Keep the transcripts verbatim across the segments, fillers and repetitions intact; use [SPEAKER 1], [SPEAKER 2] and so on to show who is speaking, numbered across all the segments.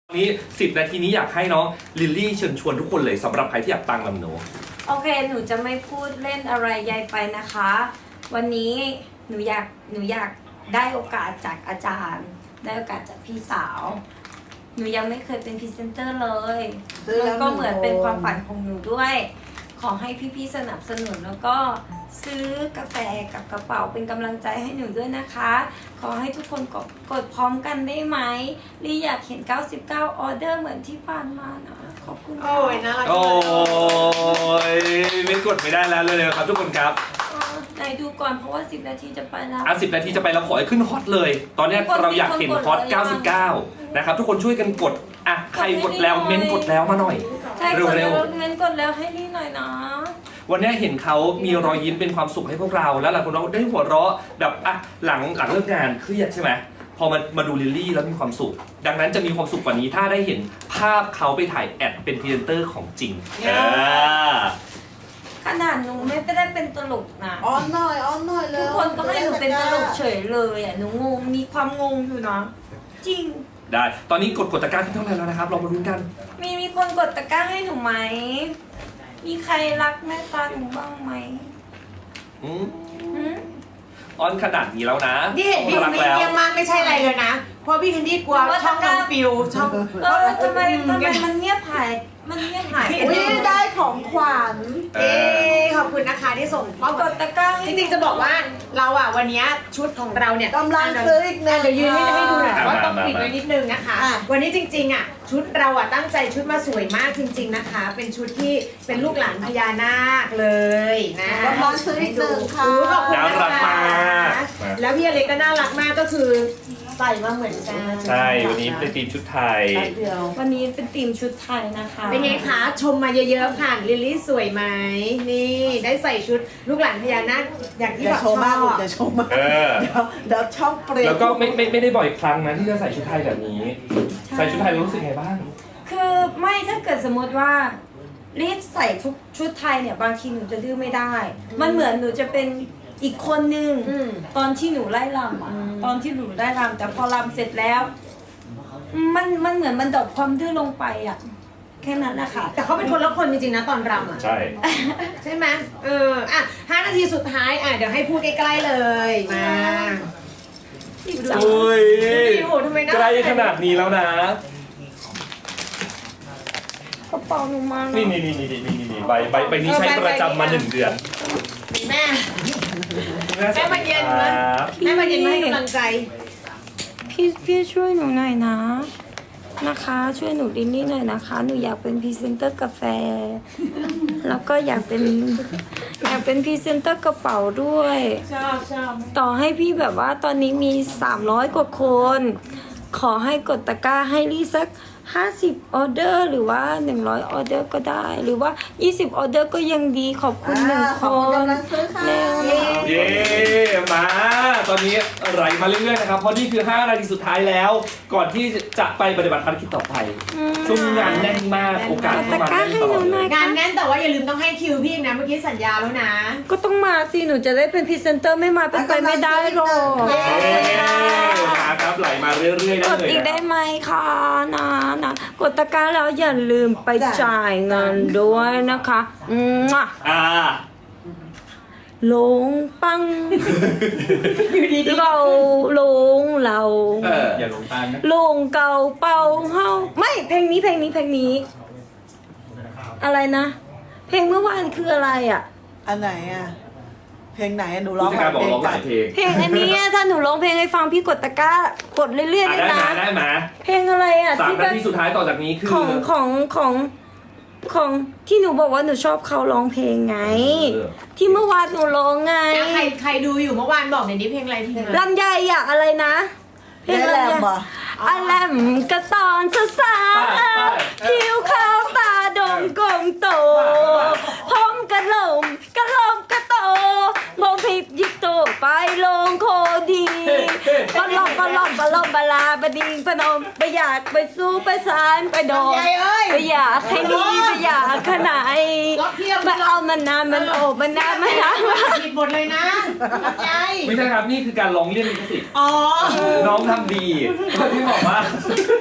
[SPEAKER 1] นี้สิบนาทีนี้อยากให้น้องลิลลี่เชิญชวนทุกคนเลยสำหรับใครที่อยากตั้งลำโน
[SPEAKER 2] โอเคหนูจะไม่พูดเล่นอะไรใหญ่ไปนะคะ วันนี้หนูอยากหนูอยากได้โอกาสจากอาจารย์ ได้โอกาสจากพี่สาว หนูยังไม่เคยเป็นพรีเซนเตอร์เลยแล้วก็เหมือนเป็นความฝันของหนูด้วย ขอให้พี่ๆสนับสนุนแล้วก็ซื้อกาแฟกับกระเป๋าเป็นกำลังใจให้หนูด้วยนะคะ ขอให้ทุกคนกดกดพร้อมกันได้ไหมลี่อยากเห็นเก้าสิบเก้าออเดอร์เหมือนที่ผ่านมานะขอบคุณค่ะ
[SPEAKER 3] โอ้ยน่ารัก
[SPEAKER 1] โอ้ยไม่กดไม่ได้แล้วเลยครับทุกคนครับ
[SPEAKER 2] เออไหนดูก่อนเพราะว่าสิบนาทีจะไปแล้ว
[SPEAKER 1] อ่ะสิบนาทีจะไปเราขอให้ขึ้นฮอตเลย ตอนเนี้ยเราอยากเห็นฮอตเก้าสิบเก้านะครับทุกคนช่วยกันกดอ่ะใครกดแล้วเม้นกดแล้วมาหน่อย
[SPEAKER 2] ใช่กด
[SPEAKER 1] เร็
[SPEAKER 2] แล้ว
[SPEAKER 1] ว
[SPEAKER 2] เม้นกดแล้วให้ลี่หน่อยนะ
[SPEAKER 1] วันนี้เห็นเขามีรอยยิ้มเป็นความสุขให้พวกเราแล้วหลายคนเราได้หัวเราะแบบอ่ะหลังหลังเลิกงานเครียดใช่ไหมพอมามาดูลิลลี่แล้วมีความสุข ดังนั้นจะมีความสุขกว่านี้ถ้าได้เห็นภาพเขาไปถ่ายแอดเป็นพรีเซนเตอร์ของจริงเออ
[SPEAKER 2] ขนาดหนูไม่ได้เป็นตลกนะ
[SPEAKER 3] อ้อนหน่อยอ้อนหน่อยเลย
[SPEAKER 2] ทุกคนก็ให้หนูเป็นตลกเฉยเลยอ่ะหนูงงมีความงงอยู่นะจริง
[SPEAKER 1] ได้ตอนนี้กดกดตะกร้าขึ้นเท่าไหร่แล้วนะครับเรามาลุ้นกัน
[SPEAKER 2] มีมีคนกดตะกร้าให้หนูไหมมีใครรักแม่ตาหนูบ้างไหม
[SPEAKER 1] อืม
[SPEAKER 2] หืม
[SPEAKER 1] ออนขนาดนี้แล้วนะ
[SPEAKER 3] นี่เห็นพี่คนนี้เยี่ยมมากไม่ใช่อะไรเลยนะ เพราะพี่คนนี้กลัวช่องน้องปิวช่อง
[SPEAKER 2] เออทำไมทำไมมันเงียบหายมันเงียบหายไป
[SPEAKER 3] อุ๊ย
[SPEAKER 2] เลย
[SPEAKER 3] ได้ของขวัญเอ๊ขอบคุณนะคะที่ส่งมอบ
[SPEAKER 2] กดตะกร้าให้
[SPEAKER 3] จริงๆจะบอกว่าเราอ่ะวันนี้ชุดของเราเนี่ย
[SPEAKER 4] กำลังซื้ออีกหนึ่ง
[SPEAKER 3] เดี๋ยวยืนให้ให้ดูหน่อย
[SPEAKER 1] อ่ะ
[SPEAKER 3] ว่า
[SPEAKER 1] มา
[SPEAKER 3] ต้อง
[SPEAKER 1] มา
[SPEAKER 3] ปิดไว้นิดนึงนะคะ
[SPEAKER 4] อ่ะ
[SPEAKER 3] วันนี้จริงๆอ่ะชุดเราอ่ะตั้งใจชุดมาสวยมากจริง ๆนะคะ เป็นชุดที่เป็นลูกหลานพญานาคเลยนะ
[SPEAKER 4] กำลังซื้ออีกหนึ่งค่ะ
[SPEAKER 3] โอ้ขอบคุณ
[SPEAKER 1] น่า
[SPEAKER 3] นะ
[SPEAKER 1] รัก
[SPEAKER 3] คะ
[SPEAKER 1] มากมา
[SPEAKER 3] แล้วพี่อเล็กก็น่ารักมากก็คือใส่มาเหมือนกัน
[SPEAKER 1] ใช่วันนี้เป็นทีมชุดไทย
[SPEAKER 4] แป๊บเดียว
[SPEAKER 2] วันนี้เป็นธีมชุดไทยนะคะ
[SPEAKER 3] เป็นไงคะชมมาเยอะๆค่ะลิลลี่สวยไหมนี่ได้ใส่ชุดลูกหลานพญานาคอย่างที่
[SPEAKER 4] อย่า
[SPEAKER 3] แบบ
[SPEAKER 4] โชว์มาก
[SPEAKER 3] ชอบ
[SPEAKER 4] อย่าโชว์มาก
[SPEAKER 1] เออ
[SPEAKER 4] เดี๋ยวเดี๋ยวช่องเปลี่ยน
[SPEAKER 1] แล้วก็ไม่ไม่ไม่ได้บ่อยครั้งนะที่จะใส่ชุดไทยแบบนี้ ใส่ชุดไทยแล้วรู้สึกไงบ้าง
[SPEAKER 2] คือไม่ถ้าเกิดสมมติว่ารีบใส่ทุกชุดไทยเนี่ยบางทีหนูจะดื้อไม่ได้ มันเหมือนหนูจะเป็นอีกคนนึง
[SPEAKER 3] อืม
[SPEAKER 2] ตอนที่หนูไล่รำอ่ะตอนที่หนูไล่รำแต่พอรำเสร็จแล้ว มันมันเหมือนมันดรอปความดื้อลงไปอ่ะแค่นั้นนะคะ
[SPEAKER 3] แต่เขาเป็นคนละคนจริงๆนะตอนรำอ่ะ
[SPEAKER 1] ใช่
[SPEAKER 3] ใช่ไหมเอออ่ะห้านาทีสุดท้ายอ่ะเดี๋ยวให้พูดใกล้ๆเลยมา
[SPEAKER 1] โอ้ย
[SPEAKER 3] พี่โหทำไมน่า
[SPEAKER 1] ใกล้ขนาดนี้แล้วนะ
[SPEAKER 2] กระเป๋าหนูมา
[SPEAKER 1] นี่
[SPEAKER 2] แล้ว
[SPEAKER 1] นี่นี่นี่นี่นี่นี่ใบใบใบนี้ใช้ประจำมาหนึ่งเดือน
[SPEAKER 3] แม่แม่มาเย็น
[SPEAKER 1] ค
[SPEAKER 3] นะ
[SPEAKER 1] รับ
[SPEAKER 3] แม่มาเย็นมาให้กำลังใจ
[SPEAKER 2] พี่พี่ช่วยหนูหน่อยนะนะคะ ช่วยหนูดินนี่หน่อยนะคะ หนูอยากเป็นพรีเซนเตอร์กาแฟ แล้วก็อยากเป็นอยากเป็นพรีเซนเตอร์กระเป๋าด้วย
[SPEAKER 3] ชอบชอบ
[SPEAKER 2] ต่อให้พี่แบบว่าตอนนี้มีสามร้อยกว่าคน ขอให้กดตะกร้าให้ลี่สักห้าสิบออเดอร์หรือว่าหนึ่งร้อยออเดอร์ก็ได้ หรือว่ายี่สิบออเดอร์ก็ยังดีขอบคุณหนึ่ง
[SPEAKER 4] อ่า
[SPEAKER 2] ค
[SPEAKER 4] ขอบคุณ
[SPEAKER 2] น
[SPEAKER 4] กำลังซื้อค่ะ
[SPEAKER 2] เร็ว
[SPEAKER 1] เย้มา ตอนนี้ไหลมาเรื่อยๆนะครับ เพราะนี่คือห้านาทีสุดท้ายแล้ว ก่อนที่จะไปปฏิบัติภารกิจต่อไป ช่วงนี้งานแน่นมาก โอกาส
[SPEAKER 2] กด
[SPEAKER 1] เข้า
[SPEAKER 2] ตะ
[SPEAKER 1] มาก
[SPEAKER 2] ร้า
[SPEAKER 1] แน่น
[SPEAKER 2] ให้
[SPEAKER 1] ต
[SPEAKER 2] ห
[SPEAKER 1] ลอ
[SPEAKER 2] นู
[SPEAKER 1] ด
[SPEAKER 2] ห
[SPEAKER 1] เล
[SPEAKER 2] น่อย
[SPEAKER 1] ย
[SPEAKER 3] งา
[SPEAKER 2] ค่ะ
[SPEAKER 3] นแน่นแต่ว่าอย่าลืมต้องให้คิวพี่อีกนะเมื่อกี้สัญญาแล้วนะ
[SPEAKER 2] ก็ต้องมาสิหนูจะได้เป็นพรีเซนเตอร์ไม่มาเป็นไปไม่ได้หรอก
[SPEAKER 1] เย้มาครับไหลมาเรื่อยๆได้
[SPEAKER 2] กด
[SPEAKER 1] เลย
[SPEAKER 2] อีก
[SPEAKER 1] นะ
[SPEAKER 2] ได้ไหมคะนะนะกดตะกร้าแล้วอย่าลืมไปจ่ายเงินด้วยนะคะอืมอ่ะ
[SPEAKER 1] อ่า
[SPEAKER 2] ลงปัง
[SPEAKER 3] อยู่ดี
[SPEAKER 2] เราลงเรา
[SPEAKER 1] เอออย่าลงตามนะ
[SPEAKER 2] ลงเก่าเป่าเฮาไม่เพลงนี้เพลงนี้เพลงนี้ อะไรนะ เพลงเมื่อวานคืออะไรอ่ะ
[SPEAKER 4] อันไหนอ่ะ เพลงไหนอะหนูร้
[SPEAKER 1] ผู้
[SPEAKER 4] อง
[SPEAKER 1] จัดการบอก
[SPEAKER 4] เพลง
[SPEAKER 1] ร้องห
[SPEAKER 4] กั
[SPEAKER 1] ลาน ยเพลง
[SPEAKER 2] เพลงอันนี้ถ้าหนูร้องเพลงให้ฟังพี่กดตะกร้ากดเรื่อยๆ
[SPEAKER 1] อ่ะ
[SPEAKER 2] ได้
[SPEAKER 1] ได้
[SPEAKER 2] นะ
[SPEAKER 1] มาได้มา
[SPEAKER 2] เพลงอะไรอ่ะ
[SPEAKER 1] สาม
[SPEAKER 2] ที่
[SPEAKER 1] นา
[SPEAKER 2] แบบ
[SPEAKER 1] ทีสุดท้ายต่อจากนี้คือ
[SPEAKER 2] ของของของของที่หนูบอกว่าหนูชอบเขาร้องเพลงไง
[SPEAKER 1] เออ
[SPEAKER 2] ที่เมื่อวานหนูร้องไง
[SPEAKER 3] อ่ะใครใครดูอยู่เมื่อวานบอกหน่อยนี้เพลงอะไรเพลงอะไร
[SPEAKER 2] ลำไยอ่ะอะไรนะเพลง
[SPEAKER 4] ได้
[SPEAKER 2] อะไร
[SPEAKER 4] แลม
[SPEAKER 2] อ่ะ
[SPEAKER 4] เหรอ
[SPEAKER 2] อะแลมกระตอนสสาวผิวขาวตาดงกลมโตผมกระหลมกระหลมกระโตโมพิบยิบโตไปลงโคดีปลอมปลอมปลอมบลาบดิงพนมไปอยากไปสู้ไปสารไปโดน
[SPEAKER 3] ยายเอ้ย
[SPEAKER 2] ไปอยากให้นี้ไปอยากขนาด
[SPEAKER 3] ล็อกเทียบ
[SPEAKER 2] มาเอามันนานมันโอบมันนานมันนาน
[SPEAKER 3] ผิดหมดเลยนะรับใจ
[SPEAKER 1] ไม่ใช่ครับ นี่คือการร้องเรียนลิขสิทธิ์
[SPEAKER 3] อ๋อ
[SPEAKER 1] น้องทำดีที่บอกว่า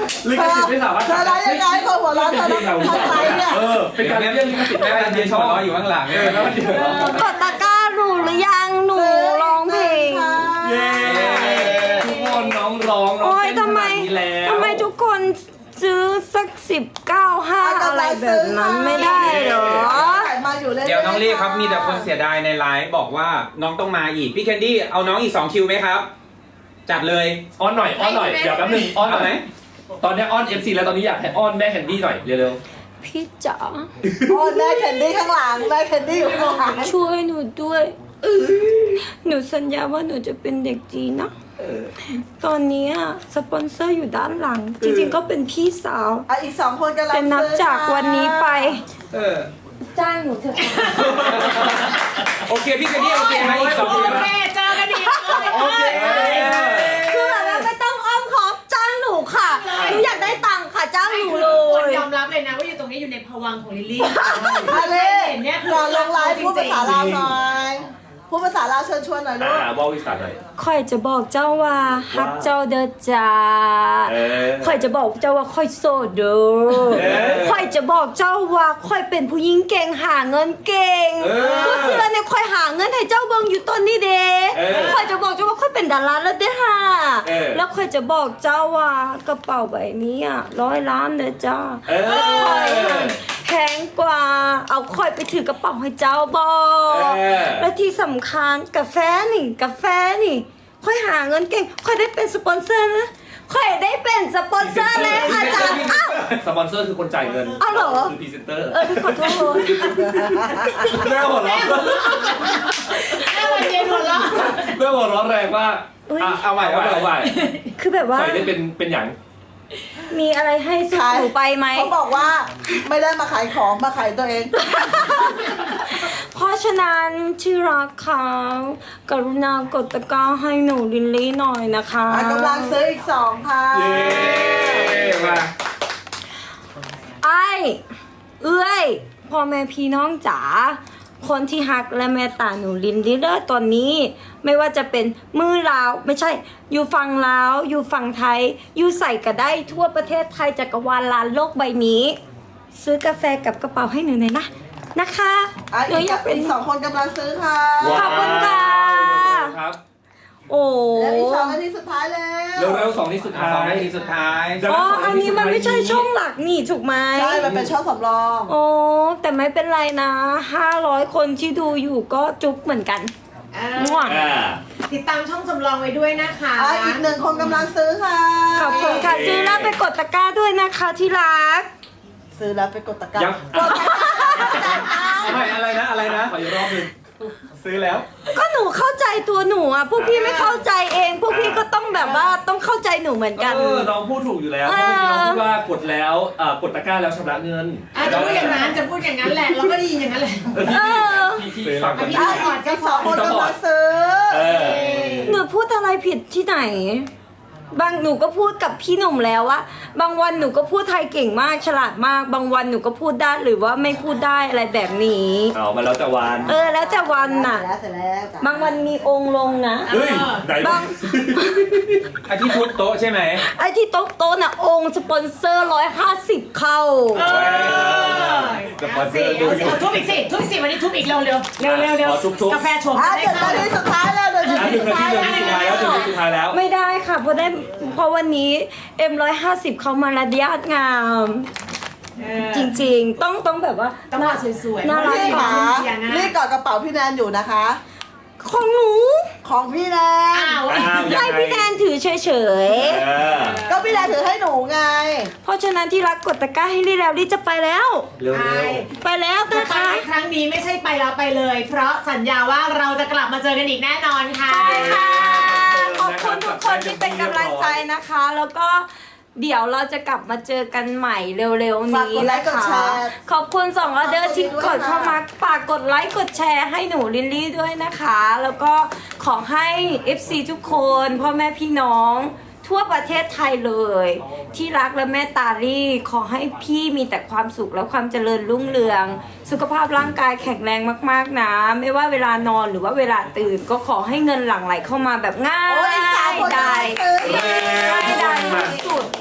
[SPEAKER 1] ลิขสิทธิ์ไม่สามารถ
[SPEAKER 4] เธอร้ายยังไงคนหัวเราะเธอต้องทำไรเนี่ย
[SPEAKER 1] เออเป็นการเรียกลิขสิทธิ์
[SPEAKER 5] แม่
[SPEAKER 1] แม่
[SPEAKER 5] แม่
[SPEAKER 1] การ
[SPEAKER 5] เรี
[SPEAKER 1] เรี
[SPEAKER 5] ย
[SPEAKER 1] ย
[SPEAKER 5] น
[SPEAKER 1] น
[SPEAKER 5] ช
[SPEAKER 1] ช
[SPEAKER 5] อ
[SPEAKER 1] อ
[SPEAKER 5] บบ อยู่ข้างหลัง
[SPEAKER 1] เอ
[SPEAKER 5] เนี่ย
[SPEAKER 1] อแล้วเดี๋ยว
[SPEAKER 2] กดตะกร้าหนูหรือยังหนูร้องเพลง
[SPEAKER 1] เย้ทุกคนน้องร้องน้อง
[SPEAKER 2] โอ้ย
[SPEAKER 1] เต้น
[SPEAKER 2] ทำไม
[SPEAKER 1] ขนาดนี้แล้ว
[SPEAKER 2] ทำไมทุกคนซื้อสักสิบเก้าห้าอะไรแบบนั้นไม่ได้เหรอ
[SPEAKER 4] มาอยู่เรื่อยๆ
[SPEAKER 5] เดี๋ยวน้องลี่ครับมีแต่คนเสียดายในไลฟ์บอกว่าน้องต้องมาอีกพี่แคนดี้เอาน้องอีกสองคิวไหมครับ จัดเลย
[SPEAKER 1] อ้อนหน่อยอ้อนหน่อยเดี๋ยวแป๊บนึงอ้อนห
[SPEAKER 5] เอา
[SPEAKER 1] น่
[SPEAKER 5] ไห
[SPEAKER 1] อ
[SPEAKER 5] ม
[SPEAKER 1] ยตอนนี้อ้อน เอฟ ซี แล้วตอนนี้อยากให้อ้อนแม่แคนดี้หน่อยเร็ว
[SPEAKER 2] พี่จ๋า
[SPEAKER 4] อ๋อได้แคนดี้ข้างหลังได้แคนดี้อยู่ข้างหลัง
[SPEAKER 2] ช่วยหนูด้วยหนูสัญญาว่าหนูจะเป็นเด็กจีนนะตอนนี้อะสปอนเซอร์อยู่ด้านหลัง จริงๆก็เป็นพี่สาว
[SPEAKER 4] อ่ะอีกสองคนกำลัง
[SPEAKER 2] แต่นับจากวันนี้ไป
[SPEAKER 5] เออ
[SPEAKER 2] จ้างหนูเถอะ
[SPEAKER 5] โอเคพี่แคนดี้โอเคไหมอีกสองคิว
[SPEAKER 3] โอ
[SPEAKER 5] นะ
[SPEAKER 3] เคเจอกันดีก
[SPEAKER 5] โอเค
[SPEAKER 2] คือแบบว่าไม่ต้องอ้อมค้อมจ้างหนูค่ะหนูอยากได้ตังค์ค่ะจ้างหนูเล
[SPEAKER 3] คน
[SPEAKER 2] ย
[SPEAKER 3] ยอมรับเลยนะว่าอยู่ตรงนี้อยู่ในภวังค์ของลิลลี่
[SPEAKER 4] มาเลย
[SPEAKER 3] เห็นเนี่ยคือ
[SPEAKER 4] ก่อนลงไลฟ์พูดภาษา
[SPEAKER 3] จริง
[SPEAKER 4] ลาวหน่อยพูดภาษาลาวเชิญชวนหน่อย
[SPEAKER 1] ๆ
[SPEAKER 4] ลู
[SPEAKER 1] อ่าก บอกวิสานหน่อย
[SPEAKER 2] ค่อยจะบอกเจ้าว่าฮักเจ้าเด้อจ้า
[SPEAKER 1] เออ
[SPEAKER 2] ค่อยจะบอกเจ้าว่าค่อยโสดเด้อ
[SPEAKER 1] เออ
[SPEAKER 2] ค่อยจะบอกเจ้าว่าค่อยเป็นผู้หญิงเก่งหาเงินเก่ง
[SPEAKER 5] เออ
[SPEAKER 2] ผู้เสือเนี่ยค่อยหาเงินให้เจ้าเบิ่งอยู่ต้นนี่เด้
[SPEAKER 1] เออ
[SPEAKER 2] ค่อยจะบอกเจ้าว่าค่อยเป็นดาราแล้วเด้อค่ะ
[SPEAKER 1] เออ
[SPEAKER 2] แล้วค่อยจะบอกเจ้าว่ากระเป๋าใบนี้อ่ะร้อยล้านเด้อจ้า
[SPEAKER 1] เออ
[SPEAKER 2] ค่อยหันแพงกว่า เอาค่อยไปถือกระเป๋าให้เจ้าบอก
[SPEAKER 1] เออ
[SPEAKER 2] และที่สำคัญกาแฟนี่กาแฟนี่ ค่อยหาเงินเก่ง ค่อยได้เป็นสปอนเซอร์นะ ค่อยได้เป็นสปอนเซอร์เลยอาจารย์อ้าว
[SPEAKER 1] สปอนเซอร์คือคนจ่ายเงิน
[SPEAKER 2] อ้าวเหรอ
[SPEAKER 1] คือพรีเซนเตอร์
[SPEAKER 2] เออพี่ขอโทษ
[SPEAKER 1] แม่หัวเราะ
[SPEAKER 3] แม่วันเย็นหัวเราะ
[SPEAKER 1] แม่หัวเราะแรงมาก
[SPEAKER 2] อุ๊ย
[SPEAKER 1] อ่ะเอาใหม่เอาใหม่เอาใหม่
[SPEAKER 2] คือแบบว่า
[SPEAKER 1] ใส่ได้เป็นเป็นอย่าง
[SPEAKER 2] มีอะไรให้สู้หนูไปไหม
[SPEAKER 4] เขาบอกว่าไม่ได้มาขายของมาขายตัวเอง
[SPEAKER 2] เพราะฉะนั้นที่รักเขากรุณากดตะกร้าให้หนูลินลี่หน่อยนะคะ
[SPEAKER 4] อ่ะกำลังซื้ออีกสองค่ะ
[SPEAKER 1] เย้มา
[SPEAKER 2] ไอ้เอ้ยพ่อแม่พี่น้องจ๋าคนที่ฮักและเมตตาหนูลินลี่เด้อตอนนี้ ไม่ว่าจะเป็นมือลาวไม่ใช่ อยู่ฝั่งลาวอยู่ฝั่งไทย อยู่ใส่ก็ได้ทั่วประเทศไทยจักรวาลลานโลกใบนี้ ซื้อกาแฟกับกระเป๋าให้หนูหน่อยนะนะคะ
[SPEAKER 4] อ่ะ
[SPEAKER 2] หนู
[SPEAKER 4] อีก
[SPEAKER 2] อยากเป็น
[SPEAKER 4] อีกสองคนกำลังซื้อค่ะ
[SPEAKER 2] ขอบคุณค่ะ
[SPEAKER 1] ครับ
[SPEAKER 2] โอ้
[SPEAKER 4] แล้วอีกสองนาทีสุดท้ายแล้ว
[SPEAKER 1] เร็วๆสองนี้สุดท้าย
[SPEAKER 5] สองนาทีสุดท้าย
[SPEAKER 2] อ๋ออันนี้มันไม่ใช่ช่องหลักนี่ถูกไหม
[SPEAKER 4] ใช่มันเป็นช่องสำรอง
[SPEAKER 2] โอ้แต่ไม่เป็นไรนะห้าร้อยคนที่ดูอยู่ก็จุ๊บเหมือนกัน
[SPEAKER 3] อ่า
[SPEAKER 2] มั่ว
[SPEAKER 1] อ่า
[SPEAKER 3] ติดตามช่องสำรองไว้ด้วยนะคะ
[SPEAKER 4] อ่ะอีกหนึ่งคนกำลังซื้อค่ะ
[SPEAKER 2] ขอบคุณค่ะซื้อแล้วไปกดตะกร้าด้วยนะคะที่รัก
[SPEAKER 4] ซื้อแล้วไปกดตะกร้า
[SPEAKER 1] ยัง
[SPEAKER 4] กดตะกร้า
[SPEAKER 5] ไม่อะไรนะอะไรนะ
[SPEAKER 1] ขออีกรอบหนึง
[SPEAKER 5] ซื้อแล้ว
[SPEAKER 2] ก็หนูเข้าใจตัวหนูอ่ะพวกพี่ไม่เข้าใจเอง พวกพี่ก็ต้องแบบว่าต้องเข้าใจหนูเหมือนกัน
[SPEAKER 1] เออน้องพูดถูกอยู่แล้วเพราะเมื่อกี้น้องพูดว่ากดแล้วเอ่อกดตะกร้าแล้วชำระเงิน
[SPEAKER 3] อ่ะจะพูดอย่างนั้นจะพูดอย่างนั้นแหละ เราก็ได้ยินอย่างนั้นแหละ
[SPEAKER 1] เออพี่พี่พี่ฟังก่อน
[SPEAKER 3] พี่
[SPEAKER 4] อ่ะอีกอีกสองคนกำลังซื้อ
[SPEAKER 1] เออ
[SPEAKER 2] หนูพูดอะไรผิดที่ไหน บางหนูก็พูดกับพี่หนุ่มแล้วว่า บางวันหนูก็พูดไทยเก่งมากฉลาดมาก บางวันหนูก็พูดได้หรือว่าไม่พูดได้อะไรแบบนี้
[SPEAKER 1] เอามาแล้วแต่วัน
[SPEAKER 2] เออแล้วแต่วันน่ะ
[SPEAKER 4] เสร็จแล้วเสร็จแล้วจ้ะ
[SPEAKER 2] บางวันมีองค์ลงนะ
[SPEAKER 1] เฮ้ยไหน
[SPEAKER 2] บาง
[SPEAKER 5] ไอที่ทุบโต๊ะใช่ไหม
[SPEAKER 2] ไอ้ที่โต๊ะโต๊ะน่ะองค์สปอนเซอร์ร้อยห้าสิบเข้า
[SPEAKER 3] เออเอาสิเอาสิเอาทุบอีกสิทุบอีกสิวันนี้ทุบอีกเร็วเร็วเร็วเร็วเร็วกาแฟชง
[SPEAKER 4] อ่ะ
[SPEAKER 3] ได้
[SPEAKER 4] เดี๋ยว
[SPEAKER 3] ค่ะ
[SPEAKER 4] นาทีสุดท้ายแล้วเดี๋ยว
[SPEAKER 1] อ่ะ
[SPEAKER 4] นา
[SPEAKER 1] ห
[SPEAKER 4] ที
[SPEAKER 1] นึ่ง
[SPEAKER 4] สุด
[SPEAKER 1] นาที
[SPEAKER 4] ท้าย
[SPEAKER 1] หนึ่งนาทีสุดท้ายแล้วหนึ่งนาทีสุดท้ายแล้ว
[SPEAKER 2] ไม่ได้ค่ะเพราะได้เพราะวันนี้เอ็มร้อยห้าสิบเขามาระยะงาม
[SPEAKER 3] เออ
[SPEAKER 2] จริงๆ ต้องต้องแบบว่า
[SPEAKER 3] ต้องมาสวยๆ
[SPEAKER 2] น่ารัก
[SPEAKER 4] พี่
[SPEAKER 2] กว่า
[SPEAKER 4] คะ
[SPEAKER 3] เสียงอะ
[SPEAKER 4] นี่กอดกระเป๋าพี่แนนอยู่นะคะ
[SPEAKER 2] ของหนู
[SPEAKER 4] ของพี่แนน
[SPEAKER 3] อ้าว
[SPEAKER 1] อ้าวยัง
[SPEAKER 2] ให้
[SPEAKER 1] ไง
[SPEAKER 2] พี่แนนถือเฉย
[SPEAKER 1] เออ
[SPEAKER 4] ก็พี่แนนถือให้หนูไง
[SPEAKER 2] ๆ เพราะฉะนั้นที่รักกดตะกร้าให้รีแล้วรีจะไปแล้ว
[SPEAKER 1] เร็ว
[SPEAKER 3] ไป
[SPEAKER 2] ไปแล้ว
[SPEAKER 3] แต่
[SPEAKER 2] นะ
[SPEAKER 3] ไป
[SPEAKER 2] คะ
[SPEAKER 3] ครั้งนี้ไม่ใช่ไปแล้วไปเลย เพราะสัญญาว่าเราจะกลับมาเจอกันอีกแน่นอนค่ะ
[SPEAKER 2] ใช่ค่ะ ขอบคุณทุกคนที่เป็นกำลังใจนะคะ แล้วก็เดี๋ยวเราจะกลับมาเจอกันใหม่เร็วๆ
[SPEAKER 4] ฝาก
[SPEAKER 2] นี้
[SPEAKER 4] กดไล
[SPEAKER 2] นะ
[SPEAKER 4] ค์กด
[SPEAKER 2] คะ
[SPEAKER 4] แชร์
[SPEAKER 2] ขอบคุณสองออเดอร์ที่
[SPEAKER 4] ฝาก
[SPEAKER 2] ก
[SPEAKER 4] ก
[SPEAKER 2] ด
[SPEAKER 4] ดด้วย
[SPEAKER 2] เข้ามา
[SPEAKER 4] ค่ะ
[SPEAKER 2] ฝากกดไลค์กดแชร์ให้หนูลินลี่ด้วยนะคะ แล้วก็ขอให้ เอฟ ซี ทุกคนพ่อแม่พี่น้อง ทั่วประเทศไทยเลย ที่รักและแม่ตาลี่ขอให้พี่มีแต่ความสุขและความเจริญรุ่งเรือง สุขภาพร่างกายแข็งแรงมากๆนะ ไม่ว่าเวลานอนหรือว่าเวลาตื่น ก็ขอให้เงินหลั่งไหลเข้ามาแบบง่า
[SPEAKER 4] โอ้ยอีกสาม
[SPEAKER 2] ย
[SPEAKER 4] คน
[SPEAKER 2] ได้
[SPEAKER 4] กำลังซื้อ
[SPEAKER 2] ง่ายได้ที่สุด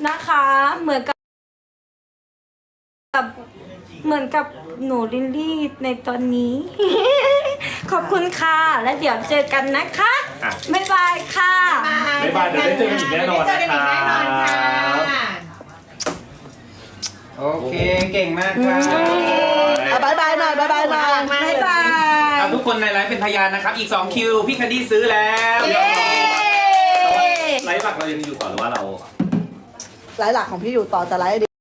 [SPEAKER 2] นะคะ เหมือนกับเหมือนกับหนูลิลลี่ในตอนนี้ ขอบคุณค่ะ และเดี๋ยวเจอกันนะคะ
[SPEAKER 1] อ่ะ
[SPEAKER 2] บ๊ายบายค่ะ
[SPEAKER 1] บ๊ายบายเดี๋ยวได้เจอกันอีกแน่นอน
[SPEAKER 3] เดี๋ยวได้เจอกันอีกแน่นอนค่ะ
[SPEAKER 5] โอเค เก่งมากครับ
[SPEAKER 4] เอาบายบายหน่อยบายบายหน่อย
[SPEAKER 3] มากเลย
[SPEAKER 2] บ๊ายบาย
[SPEAKER 5] ครับทุกคนในไลฟ์เป็นพยานนะครับ อีก 2 คิว พี่แคนดี้ซื้อแล้ว
[SPEAKER 3] เย้
[SPEAKER 1] ไลฟ์หลักเรายังอยู่ต่อหรือว่าเรา
[SPEAKER 4] ไลฟ์หลักของพี่อยู่ต่อแต่ไลฟ์